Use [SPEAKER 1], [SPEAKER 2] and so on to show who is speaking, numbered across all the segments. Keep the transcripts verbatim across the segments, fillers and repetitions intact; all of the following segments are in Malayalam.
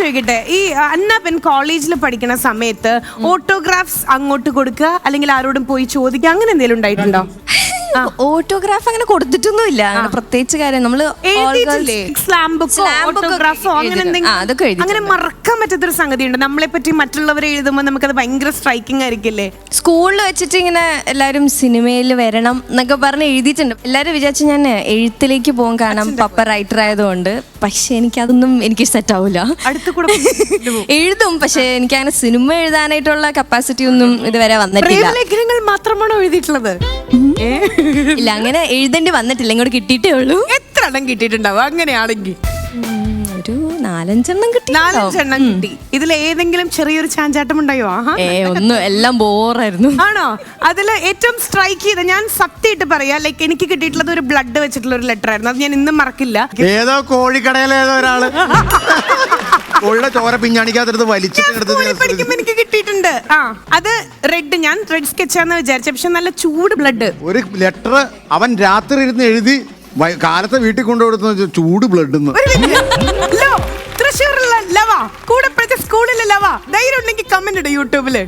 [SPEAKER 1] ചോദിക്കട്ടെ, ഈ അന്നപ്പൻ കോളേജിൽ പഠിക്കുന്ന സമയത്ത് ഓട്ടോഗ്രാഫ്സ് അങ്ങോട്ട് കൊടുക്കുക അല്ലെങ്കിൽ ആരോടും പോയി ചോദിക്കുക അങ്ങനെ എന്തെങ്കിലും ഉണ്ടായിട്ടുണ്ടോ?
[SPEAKER 2] ഓട്ടോഗ്രാഫ് അങ്ങനെ കൊടുത്തിട്ടൊന്നുമില്ല, അങ്ങനെ പ്രത്യേകിച്ച് കാര്യം നമ്മള്
[SPEAKER 1] അങ്ങനെ മറക്കാൻ പറ്റാത്തൊരു സംഗതി ഉണ്ട് നമ്മളെ പറ്റി മറ്റുള്ളവരെ എഴുതുമ്പോൾ നമുക്കത് ഭയങ്കര സ്ട്രൈക്കിംഗ് ആയിരിക്കില്ലേ?
[SPEAKER 2] സ്കൂളിൽ വെച്ചിട്ട് ഇങ്ങനെ എല്ലാരും സിനിമയിൽ വരണം എന്നൊക്കെ പറഞ്ഞ് എഴുതിയിട്ടുണ്ട്. എല്ലാരും വിചാരിച്ചു ഞാൻ എഴുത്തിലേക്ക് പോകും, കാരണം പപ്പ റൈറ്റർ ആയതുകൊണ്ട്. പക്ഷെ എനിക്കതൊന്നും എനിക്ക് സെറ്റ് ആവില്ല. എഴുതും, പക്ഷെ എനിക്ക് അങ്ങനെ സിനിമ എഴുതാനായിട്ടുള്ള കപ്പാസിറ്റി ഒന്നും ഇതുവരെ വന്നിട്ടില്ല.
[SPEAKER 1] ലേഖനങ്ങൾ മാത്രമാണോ എഴുതിയിട്ടുള്ളത്?
[SPEAKER 2] ഇല്ല, അങ്ങനെ എഴുതേണ്ടി വന്നിട്ടില്ല, ഇങ്ങോട്ട് കിട്ടിയിട്ടേ ഉള്ളൂ.
[SPEAKER 1] എത്ര എണ്ണം കിട്ടിയിട്ടുണ്ടാവും അങ്ങനെയാണെങ്കിൽ?
[SPEAKER 2] ഒരു നാലഞ്ചെണ്ണം കിട്ടി.
[SPEAKER 1] നാലഞ്ചെണ്ണം കിട്ടി. ഇതിൽ ഏതെങ്കിലും ചെറിയൊരു ചാഞ്ചാട്ടം ഉണ്ടായോ?
[SPEAKER 2] ഏ ഒന്നും, എല്ലാം ബോറായിരുന്നു.
[SPEAKER 1] ആണോ? അതിൽ ഏറ്റവും സ്ട്രൈക്ക് ചെയ്ത, ഞാൻ സത്യമായിട്ട് പറയാ, ലൈക്ക് എനിക്ക് കിട്ടിയിട്ടുള്ളത് ഒരു ബ്ലഡ് വെച്ചിട്ടുള്ള ഒരു ലെറ്റർ ആയിരുന്നു. അത് ഞാൻ ഇന്നും മറക്കില്ല.
[SPEAKER 3] ഏതോ കോഴിക്കടയിലെ ഏതോ ഒരാള് കോഴിയുടെ ചോര പിഞ്ഞാണിക്കാത്തത് വലിച്ചിട്ട്
[SPEAKER 1] എനിക്ക് കിട്ടിയിട്ടുണ്ട്. ആ അത് റെഡ്, ഞാൻ റെഡ് സ്കെച്ചാന്ന് വിചാരിച്ച, പക്ഷെ നല്ല ചൂട് ബ്ലഡ്.
[SPEAKER 3] ഒരു ലെറ്റർ അവൻ രാത്രി ഇരുന്ന് എഴുതി കാലത്തെ വീട്ടിൽ കൊണ്ടുകൊടുത്ത ചൂട് ബ്ലഡ്.
[SPEAKER 1] തൃശ്ശൂരിലുള്ള ലവ, കൂടെ പഠിച്ച സ്കൂളിലെ ലവ, ധൈര്യം ഉണ്ടെങ്കിൽ കമന്റ് ഇടും യൂട്യൂബില്.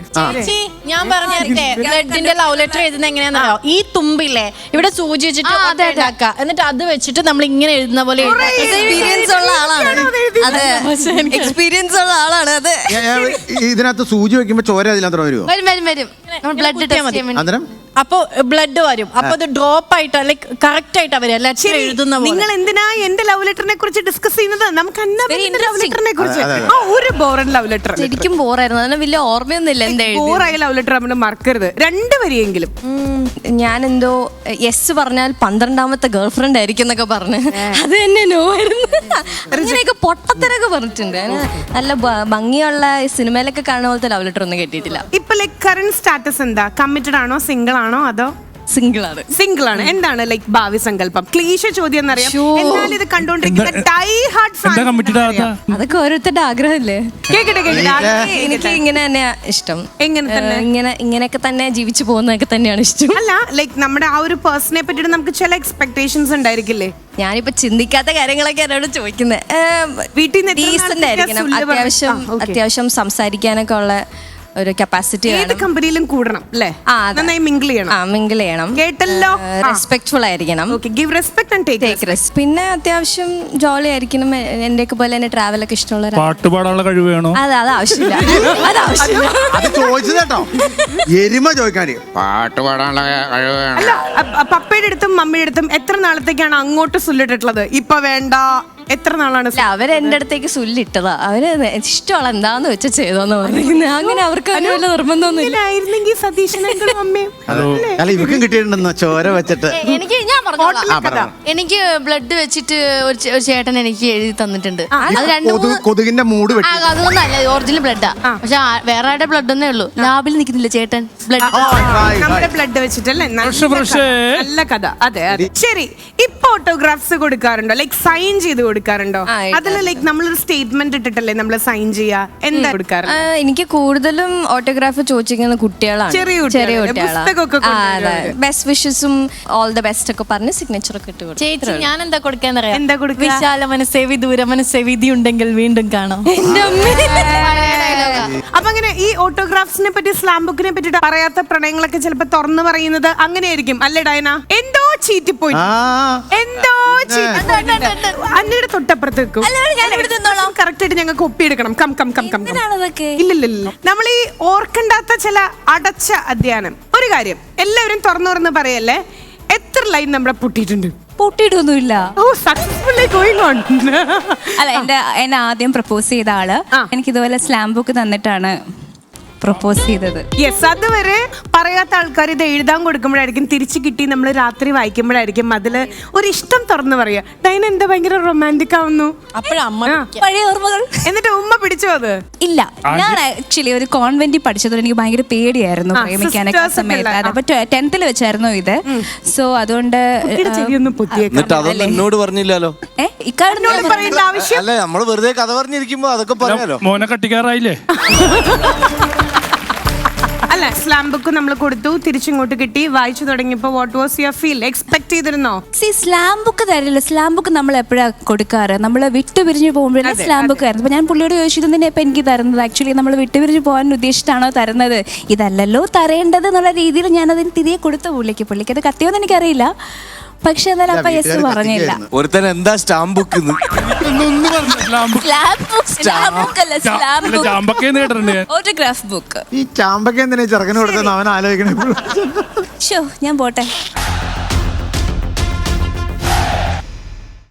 [SPEAKER 4] ഞാൻ പറഞ്ഞേ, ബ്ലഡിന്റെ ലവ് ലെറ്റർ എഴുതുന്ന എങ്ങനെയാണെന്നറിയോ? ഈ തുമ്പില്ലേ ഇവിടെ സൂചി വെച്ചിട്ട് ഉണ്ടാക്കുക, എന്നിട്ട് അത് വെച്ചിട്ട് നമ്മൾ ഇങ്ങനെ എഴുതുന്ന പോലെ.
[SPEAKER 2] എക്സ്പീരിയൻസ് ഉള്ള ആളാണ്, അതെ, എക്സ്പീരിയൻസ് ഉള്ള ആളാണ് അത്.
[SPEAKER 3] ഇതിനകത്ത് സൂചി വെക്കുമ്പോ ചോര അതിനകത്ത് വരുമോ?
[SPEAKER 4] വരും വരും വരും. ബ്ലഡ് ഇട്ടാൽ മതി.
[SPEAKER 3] അന്നേരം
[SPEAKER 4] അപ്പൊ ബ്ലഡ് വരും. അപ്പൊ അത് ഡ്രോപ്പ് ആയിട്ട് ലൈക്ക് കറക്റ്റ് ആയിട്ട് അവര് ലെറ്റർ എഴുതുന്ന.
[SPEAKER 1] നിങ്ങൾ എന്തിനാ എന്റെ ലവ് ലെറ്ററിനെ കുറിച്ച് ഡിസ്കസ് ചെയ്യുന്നത്? നമുക്ക് ലവ് ലെറ്ററിനെ കുറിച്ച് ഒരു ബോറൻ ലവ് ലെറ്റർ.
[SPEAKER 2] ശരിക്കും ബോറായിരുന്നു, അതിന് വലിയ ഓർമ്മയൊന്നുമില്ല. എന്താ
[SPEAKER 1] ബോറായ ലവ് ലെറ്റർ നമ്മൾ മറക്കരുത്, രണ്ട് വരിയെങ്കിലും.
[SPEAKER 2] ഞാൻ എന്തോ യെസ് പറഞ്ഞാൽ പന്ത്രണ്ടാമത്തെ ഗേൾ ഫ്രണ്ട് ആയിരിക്കും എന്നൊക്കെ പറഞ്ഞ് അത് തന്നെ നോ ആയിരുന്നു. അങ്ങനെയൊക്കെ പൊട്ടത്തരൊക്കെ പറഞ്ഞിട്ടുണ്ട്. നല്ല ഭംഗിയുള്ള സിനിമയിലൊക്കെ കാണുന്ന പോലത്തെ ലവ് ലെറ്റർ ഒന്നും കിട്ടിയിട്ടില്ല.
[SPEAKER 1] ഇപ്പൊ ലൈക് കറന്റ് സ്റ്റാറ്റസ് എന്താ? കമ്മിറ്റഡ് ആണോ, സിംഗിൾ ആണോ, അതോ?
[SPEAKER 2] സിംഗിൾ ആണ്.
[SPEAKER 1] സിംഗിൾ ആണ്. എന്താണ് ലൈക് ഭാവി സങ്കല്പം? ക്ലീശ ചോദ്യം എന്നറിയാം, എന്നാൽ ഇത് കണ്ടുകൊണ്ടിരിക്കുന്ന ഡൈ ഹാർഡ് ഫാൻസ്
[SPEAKER 2] അതൊക്കെ ഓരോരുത്തരുടെ ആഗ്രഹമല്ലേ.
[SPEAKER 1] കേക്കട്ടെ കേക്കട്ടെ.
[SPEAKER 2] എനിക്ക് ഇങ്ങനെ തന്നെയാ ഇഷ്ടം.
[SPEAKER 1] എങ്ങനെ തന്നെ?
[SPEAKER 2] ഇങ്ങനെ ഇങ്ങനെയൊക്കെ തന്നെ ജീവിച്ചു പോകുന്നതൊക്കെ തന്നെയാണ് ഇഷ്ടം.
[SPEAKER 1] അല്ല ലൈക് നമ്മുടെ ആ ഒരു പേഴ്സണെ പറ്റിയിട്ട് നമുക്ക് ചില എക്സ്പെക്ടേഷൻസ് ഉണ്ടായിരിക്കില്ലേ?
[SPEAKER 2] ഞാനിപ്പോ ചിന്തിക്കാത്ത കാര്യങ്ങളൊക്കെ എന്നോട് ചോദിക്കുന്നത്.
[SPEAKER 1] വീട്ടിൽ നിന്ന്
[SPEAKER 2] ഡീസന്റ് ആയിരിക്കണം, അത്യാവശ്യം അത്യാവശ്യം സംസാരിക്കാനൊക്കെ ഉള്ള ഒരു കപ്പാസിറ്റി.
[SPEAKER 1] ഏത് കമ്പനിയിലും കൂടണം അല്ലേ? നന്നായി മിങ്കിൾ ചെയ്യണം.
[SPEAKER 2] ആ മിങ്കിൾ ചെയ്യണം.
[SPEAKER 1] കേട്ടല്ലോ.
[SPEAKER 2] റെസ്പെക്ട്ഫുൾ ആയിരിക്കണം.
[SPEAKER 1] Give respect and take respect.
[SPEAKER 2] പിന്നെ അത്യാവശ്യം ജോളി ആയിരിക്കണം. എന്റെ ഒക്കെ പോലെ തന്നെ ട്രാവൽ ഒക്കെ ഇഷ്ടമുള്ള.
[SPEAKER 5] പാട്ട് പാടാനുള്ള കഴിവ് വേണോ?
[SPEAKER 2] അത് അത് ആവശ്യമില്ല, അത് ആവശ്യമില്ല.
[SPEAKER 3] അത് ചോദിച്ചത് കേട്ടോ, എരുമ ചോദിക്കാന് പാട്ട് പാടാനുള്ള കഴിവ് വേണം.
[SPEAKER 1] അല്ല, പപ്പയുടെ അടുത്തും മമ്മിയുടെ അടുത്തും എത്ര നാളത്തേക്കാണ് അങ്ങോട്ട് സുല്ലിട്ടിട്ടുള്ളത്? ഇപ്പൊ വേണ്ട, എത്ര നാളാണ്?
[SPEAKER 2] അവര് എന്റെ അടുത്തേക്ക് സുല്ലിട്ടതാ. അവര് ഇഷ്ടമുള്ള എന്താന്ന് വെച്ചാൽ ചെയ്തോന്ന് പറഞ്ഞിരിക്കുന്നത്. അങ്ങനെ അവർക്ക് അതിന് വല്ല നിർബന്ധമൊന്നുമില്ലായിരുന്നെങ്കിൽ
[SPEAKER 1] സതീശനും അമ്മയും.
[SPEAKER 3] അല്ല ഇവർക്കും കിട്ടിയിട്ടുണ്ടെന്നോ ചോര വെച്ചിട്ട്?
[SPEAKER 4] എനിക്ക് ഞാൻ പറഞ്ഞു, എനിക്ക് ബ്ലഡ് വെച്ചിട്ട് ഒരു ചേട്ടൻ എനിക്ക് എഴുതി തന്നിട്ടുണ്ട്. അത് രണ്ട്
[SPEAKER 3] കൊതുകിന്റെ മൂട് വെട്ടി.
[SPEAKER 4] അതൊന്നും അല്ല, ഒറിജിനൽ ബ്ലഡാ. പക്ഷെ വേറെ ആരുടെ ബ്ലഡ് ഒന്നേ ഉള്ളൂ. ലാബിൽ നിൽക്കുന്നില്ല ചേട്ടൻ ബ്ലഡ്,
[SPEAKER 1] നമ്മുടെ ബ്ലഡ് വെച്ചിട്ടല്ലേ. നല്ല കഥ. അതെ അതെ. ശരി, ഇപ്പൊ ഓട്ടോഗ്രാഫ്സ് കൊടുക്കാറുണ്ടോ? ലൈക് സൈൻ ചെയ്ത് കൊടുക്കാറുണ്ടോ? അതിൽ ലൈക് നമ്മളൊരു സ്റ്റേറ്റ്മെന്റ് ഇട്ടിട്ടല്ലേ നമ്മൾ സൈൻ ചെയ്യാ? എന്താ കൊടുക്കാറ്?
[SPEAKER 2] എനിക്ക് കൂടുതലും ഓട്ടോഗ്രാഫ് ചോദിച്ചിരിക്കുന്ന കുട്ടികളാണ്, ചെറിയ ചെറിയ കുട്ടികളാണ്. ബെസ്റ്റ് വിഷസും ഓൾ ദ ബെസ്റ്റ് ഒക്കെ പറഞ്ഞ് സിഗ്നേച്ചർ ഒക്കെ ഇട്ട് കൊടുക്കും.
[SPEAKER 4] ചേച്ചി ഞാൻ എന്താ കൊടുക്കാന്നറിയാം?
[SPEAKER 1] എന്താ കൊടുക്കുക?
[SPEAKER 4] വിശാല മനസ്സേവി ദൂര മനസ്സേവിധി ഉണ്ടെങ്കിൽ വീണ്ടും കാണാം.
[SPEAKER 1] അപ്പൊ അങ്ങനെ ഈ ഓട്ടോഗ്രാഫ്സിനെ പറ്റി, സ്ലാം ബുക്കിനെ പറ്റിട്ട് പറയാത്ത പ്രണയങ്ങളൊക്കെ ചിലപ്പോ തുറന്നു പറയുന്നത് അങ്ങനെയായിരിക്കും അല്ലേ ഡയന? എന്തോ ചീറ്റിപ്പോയി, എന്തോ അന്നയുടെ തൊട്ടപ്പുറത്ത് വെക്കും. കറക്റ്റ് ആയിട്ട് ഞങ്ങൾക്ക് ഒപ്പിയെടുക്കണം. Come come come come. ഇല്ലില്ല, നമ്മൾ ഈ ഓർക്കണ്ടാത്ത ചില അടച്ച അധ്യയനം. ഒരു കാര്യം എല്ലാവരും തുറന്നു തുറന്ന് പറയല്ലേ, എത്ര ലൈൻ നമ്മുടെ പൊട്ടിയിട്ടുണ്ട്?
[SPEAKER 6] പൊട്ടിയിട്ടൊന്നുമില്ല.
[SPEAKER 1] Oh successfully going on.
[SPEAKER 6] അല്ല, എന്റെ എന്നെ ആദ്യം പ്രപ്പോസ് ചെയ്ത ആള് എനിക്ക് ഇതുപോലെ സ്ലാം ബുക്ക് തന്നിട്ടാണ് പ്രപ്പോസ് ചെയ്തത്.
[SPEAKER 1] യെസ്, അതുവരെ പറയാത്ത ആൾക്കാർ ഇത് എഴുതാൻ കൊടുക്കുമ്പോഴായിരിക്കും തിരിച്ചു കിട്ടി നമ്മൾ രാത്രി വായിക്കുമ്പോഴായിരിക്കും അതില് ഒരു ഇഷ്ടം തുറന്നു പറയാ. ഡൈന എന്താ ഭയങ്കര റൊമാൻറ്റിക് ആവുന്നു.
[SPEAKER 6] പഴയ ഓർമ്മകൾ.
[SPEAKER 1] എന്നിട്ട് ഉമ്മ പിടിച്ചോ അത്?
[SPEAKER 6] ഇല്ല, ഞാൻ ആക്ച്വലി ഒരു കോൺവെന്റിൽ പഠിച്ചതുകൊണ്ട് എനിക്ക് ഭയങ്കര പേടിയായിരുന്നു പ്രേമിക്കാനൊക്കെ സമയത്ത്. അപ്പൊ ടെൻത്തിൽ വെച്ചായിരുന്നു ഇത്. സോ അതുകൊണ്ട്
[SPEAKER 7] എന്നോട് പറഞ്ഞില്ലല്ലോ.
[SPEAKER 1] അല്ല,
[SPEAKER 7] നമ്മള് വെറുതെ കഥ പറഞ്ഞിരിക്കുമ്പോ അതൊക്കെ പറയാലോ.
[SPEAKER 5] മോനെ കട്ടിക്കാറായില്ലേ?
[SPEAKER 1] അല്ല സ്ലാം ബുക്ക് നമ്മൾ കൊടുത്തു, തിരിച്ചിങ്ങോട്ട് കിട്ടി, വായിച്ചു തുടങ്ങിയപ്പോ what was your feel? Expect ചെയ്തിരുന്നോ?
[SPEAKER 6] സി സ്ലാം ബുക്ക് തരില്ല. സ്ലാം ബുക്ക് നമ്മൾ എപ്പോഴാണ് കൊടുക്കാറ്? നമ്മൾ വിട്ടുപിരിഞ്ഞ് പോകുമ്പോഴേ സ്ലാം ബുക്ക് ആയിരുന്നു. അപ്പോൾ ഞാൻ പുള്ളിയോട് ചോദിച്ചു ഇതെന്നെ ഇപ്പം എനിക്ക് തരുന്നത് ആക്ച്വലി നമ്മൾ വിട്ടുപിരിഞ്ഞ് പോകാൻ ഉദ്ദേശിച്ചിട്ടാണോ തരുന്നത്, ഇതല്ലല്ലോ തരേണ്ടത് എന്നുള്ള രീതിയിൽ ഞാനതിന് തിരികെ കൊടുത്ത പുള്ളിക്ക്. പുള്ളിക്ക് അത് കത്തിയോന്ന് എനിക്കറിയില്ല, പക്ഷെ എന്നാലും അപ്പൊ യെസ് പറഞ്ഞില്ല.
[SPEAKER 5] ഒരുത്തൻ എന്താ സ്റ്റാമ്പ് ബുക്ക്
[SPEAKER 6] ഓട്ടോഗ്രാഫ് ബുക്ക്.
[SPEAKER 3] ഈ ചാമ്പക്ക എന്തിനാ ചെറുക്കന് കൊടുത്തെന്ന് അവൻ ആലോചിക്കണേ.
[SPEAKER 6] ഷോ ഞാൻ പോട്ടെ.